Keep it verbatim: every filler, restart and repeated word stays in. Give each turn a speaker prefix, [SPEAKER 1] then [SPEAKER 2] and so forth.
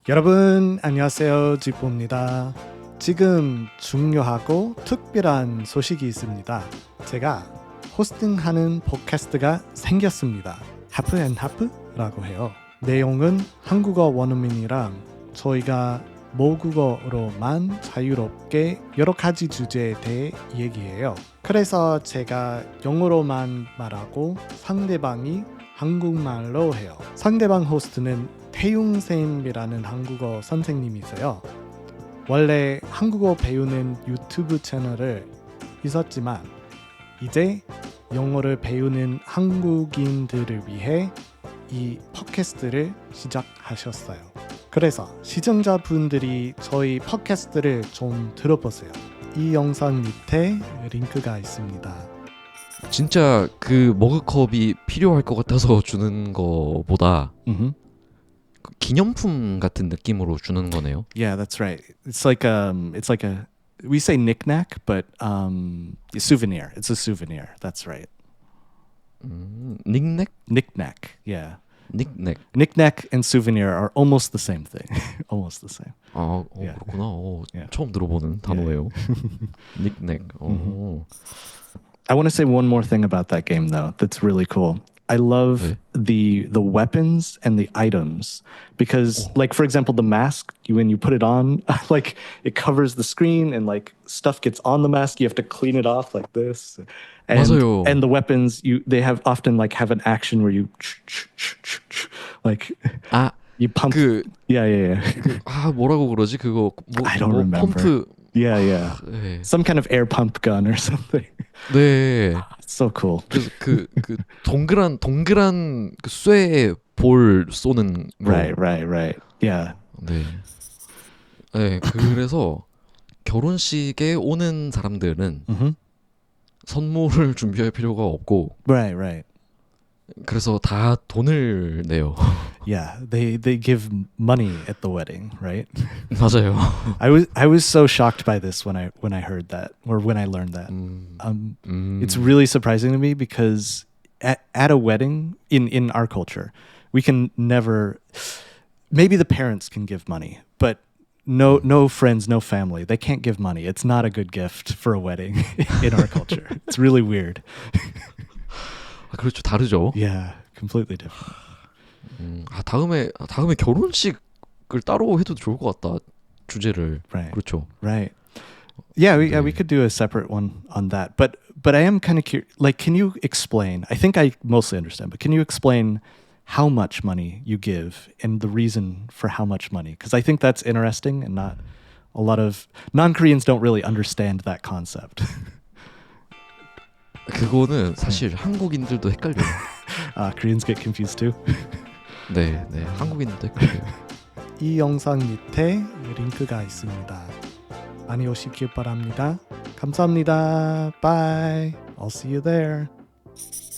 [SPEAKER 1] 여러분 안녕하세요. 지포입니다. 지금 중요하고 특별한 소식이 있습니다. 제가 호스팅하는 팟캐스트가 생겼습니다. 하프앤하프라고 해요. 내용은 한국어 원어민이랑 저희가 모국어로만 자유롭게 여러 가지 주제에 대해 얘기해요. 그래서 제가 영어로만 말하고 상대방이 한국말로 해요. 상대방 호스트는 태용쌤이라는 한국어 선생님이세요. 원래 한국어 배우는 유튜브 채널을 있었지만 이제 영어를 배우는 한국인들을 위해 이 팟캐스트를 시작하셨어요. 그래서 시청자분들이 저희 팟캐스트를 좀 들어보세요. 이 영상 밑에 링크가 있습니다.
[SPEAKER 2] 진짜 그 머그컵이 필요할 것 같아서 주는 거보다
[SPEAKER 1] Mm-hmm.
[SPEAKER 2] 그 기념품 같은 느낌으로 주는 거네요.
[SPEAKER 1] Yeah, that's right. It's like um, it's like a we say knick-knack, but um, a souvenir. It's a souvenir. That's right.
[SPEAKER 2] 음, 닉넥?
[SPEAKER 1] Knick-knack. Yeah.
[SPEAKER 2] 닉넥.
[SPEAKER 1] Knick-knack and souvenir are almost the same thing. Almost the same.
[SPEAKER 2] 아, 어,
[SPEAKER 1] Yeah.
[SPEAKER 2] 그렇구나. 어,
[SPEAKER 1] Yeah.
[SPEAKER 2] 처음 들어보는 단어예요. 닉넥. 어.
[SPEAKER 1] I want to say one more thing about that game, though. That's really cool. I love
[SPEAKER 2] 네.
[SPEAKER 1] the the weapons and the items because, like, for example, the mask. You, when you put it on, like it covers the screen and like stuff gets on the mask. You have to clean it off like this. And,
[SPEAKER 2] 맞아요.
[SPEAKER 1] and the weapons, you they have often like have an action where you like
[SPEAKER 2] 아,
[SPEAKER 1] you pump.
[SPEAKER 2] 그,
[SPEAKER 1] Yeah, yeah, yeah.
[SPEAKER 2] 아 뭐라고 그러지? 그거 뭐,
[SPEAKER 1] I don't
[SPEAKER 2] 뭐
[SPEAKER 1] remember.
[SPEAKER 2] 펌프.
[SPEAKER 1] Yeah, yeah.
[SPEAKER 2] 네.
[SPEAKER 1] Some kind of air pump gun or something.
[SPEAKER 2] 네.
[SPEAKER 1] It's so cool.
[SPEAKER 2] 그래서 그, 그 동그란 동그란 그 쇠에 볼 쏘는 거.
[SPEAKER 1] Right, right, right. Yeah.
[SPEAKER 2] 네. 네, 그래서 결혼식에 오는 사람들은
[SPEAKER 1] Mm-hmm.
[SPEAKER 2] 선물을 준비할 필요가 없고
[SPEAKER 1] Right, right.
[SPEAKER 2] 그래서 다 돈을 내요.
[SPEAKER 1] Yeah, they they give money at the wedding, right?
[SPEAKER 2] 맞아요.
[SPEAKER 1] I was I was so shocked by this when I when I heard that or when I learned that.
[SPEAKER 2] 음,
[SPEAKER 1] Um,
[SPEAKER 2] 음,
[SPEAKER 1] it's really surprising to me because at at a wedding in in our culture, we can never. Maybe the parents can give money, but no no friends, no family. They can't give money. It's not a good gift for a wedding in our culture. It's really weird.
[SPEAKER 2] 아, 그렇죠. 다르죠.
[SPEAKER 1] Yeah, completely different.
[SPEAKER 2] 음, 아, 다음에 다음에 결혼식을 따로 해도 좋을 것 같다. 주제를.
[SPEAKER 1] Right.
[SPEAKER 2] 그렇죠.
[SPEAKER 1] Right. Yeah, we, yeah, we
[SPEAKER 2] 네.
[SPEAKER 1] could do a separate one on that. But but I am kind of curious. Like, can you explain? I think I mostly understand, but can you explain how much money you give and the reason for how much money? Because I think that's interesting, and not a lot of non-Koreans don't really understand that concept.
[SPEAKER 2] 그거는 사실 한국인들도 헷갈려요.
[SPEAKER 1] uh, Koreans get confused too.
[SPEAKER 2] 네, 네. 한국인들도 헷갈려요.
[SPEAKER 1] 이 영상 밑에 링크가 있습니다. 많이 오시길 바랍니다. 감사합니다. Bye. I'll see you there.